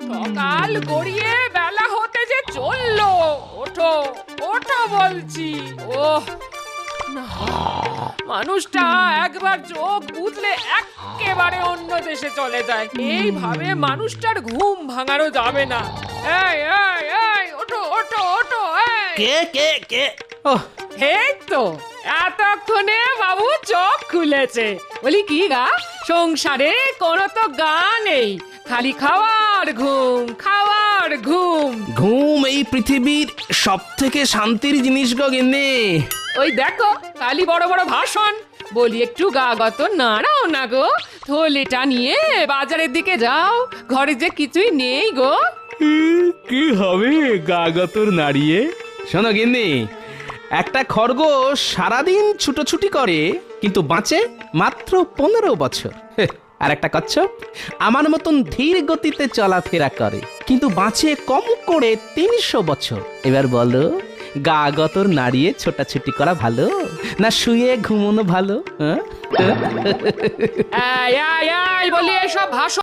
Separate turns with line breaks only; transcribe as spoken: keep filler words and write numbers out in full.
সকাল গড়িয়ে বেলা হতে যে চললো। ওঠো ওঠো বলছি। ওহ না, মানুষটা একবার চোখ বুঝলে একেবারে অন্য দেশে চলে যায়। এইভাবে মানুষটার ঘুম ভাঙানো যাবে না। এই এই এই ওঠো ওঠো ওঠো। এই
কে কে কে ও
এই তো এতক্ষণে বাবু চোখ খুলেছে। বলি কি গা, সংসারে কোনো তো গা নেই, খালি খাওয়ার ঘুম খাওয়ার ঘুম।
ঘুম এই পৃথিবীর সব থেকে শান্তির জিনিস গো গিন্নি।
ওই দেখো খালি বড় বড় ভাষণ। বলি একটু গা গত নাড়াও না গো, থলেটা নিয়ে বাজারের দিকে যাও, ঘরে যে কিছুই নেই গো।
কি হবে গাগতর নাড়িয়ে? শোনো গিন্নি, একটা খরগোশ সারাদিন ছুটোছুটি করে কিন্তু বাঁচে মাত্র পনেরো বছর। হেহ, আর একটা কচ্ছপ আমার মতন ধীর গতিতে চলাফেরা করে কিন্তু বাঁচে কম করে তিনশো বছর। এবার বলো, গা গতর নাড়িয়ে ছোটাছুটি করা ভালো না শুয়ে ঘুমোনো ভালো? হ্যাঁ
এই এই এই বলি এসব ভাষণ